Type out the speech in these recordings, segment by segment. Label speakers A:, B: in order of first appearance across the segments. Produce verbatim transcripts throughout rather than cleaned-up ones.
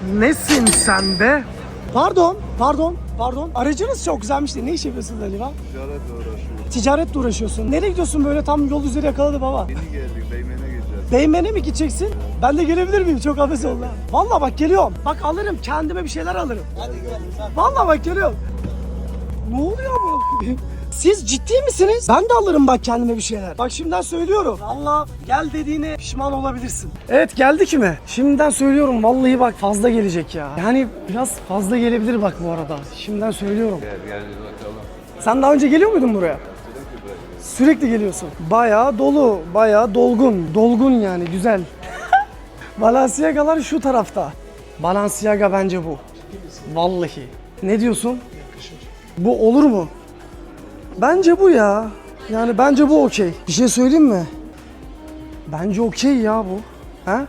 A: Nesin sen be? Pardon, pardon, pardon. Aracınız çok güzelmiş de ne iş yapıyorsunuz acaba?
B: Ticaretle uğraşıyorum.
A: Ticaretle uğraşıyorsun. Nereye gidiyorsun böyle tam yol üzeri yakaladı baba?
B: Yeni geldik, Beymen'e gideceğiz.
A: Beymen'e mi gideceksin? Ben de gelebilir miyim? Çok hafif oldu. Vallahi bak geliyorum. Bak alırım kendime bir şeyler alırım. Hadi gel. Vallahi bak geliyorum. Ne oluyor bu? Siz ciddi misiniz? Ben de alırım bak kendime bir şeyler. Bak şimdiden söylüyorum. Vallahi gel dediğine pişman olabilirsin. Evet geldik mi? Şimdiden söylüyorum vallahi bak fazla gelecek ya. Yani biraz fazla gelebilir bak bu arada. Şimdiden söylüyorum.
B: Gel gel bir bakalım.
A: Sen daha önce geliyor muydun buraya? Sürekli geliyorsun. Bayağı dolu, bayağı dolgun. Dolgun yani güzel. Balenciaga'lar şu tarafta. Balenciaga bence bu. Vallahi. Ne diyorsun? Bu olur mu? Bence bu ya. Yani bence bu okey. Bir şey söyleyeyim mi? Bence okey ya bu. Ha?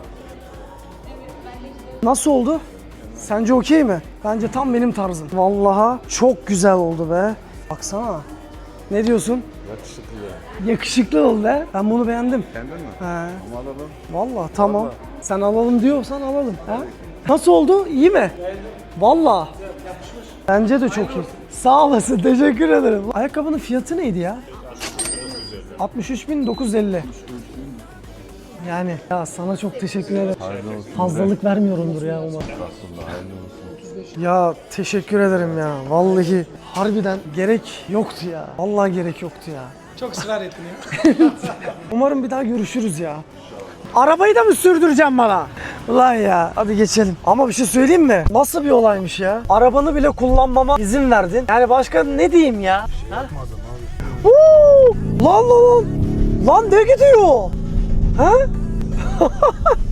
A: Nasıl oldu? Sence okey mi? Bence tam benim tarzım. Vallahi çok güzel oldu be. Baksana. Ne diyorsun?
B: Yakışıklı ya.
A: Yakışıklı oldu be. Ben bunu beğendim.
B: Beğendin mi?
A: He.
B: Ama alalım.
A: Vallahi tamam.
B: Vallahi.
A: Sen alalım diyorsan alalım. Ha? Nasıl oldu? İyi mi? Vallahi. Bence de çok iyi. Sağ olasın. Teşekkür ederim. Ayakkabının fiyatı neydi ya? altmış üç bin dokuz yüz elli. Yani ya sana çok teşekkür ederim.
B: Hayırlı olsun.
A: Fazlalık vermiyorumdur ya umarım.
B: Estağfurullah, hayırlı olsun.
A: Ya teşekkür ederim ya. Vallahi harbiden gerek yoktu ya. Vallahi gerek yoktu ya.
C: Çok ısrar ettin ya.
A: Umarım bir daha görüşürüz ya. Arabayı da mı sürdüreceğim bana? Ulan ya. Hadi geçelim. Ama bir şey söyleyeyim mi? Nasıl bir olaymış ya? Arabanı bile kullanmama izin verdin. Yani başka ne diyeyim ya? Ha? Huu! Lan lan lan. Lan ne gidiyor? Ha?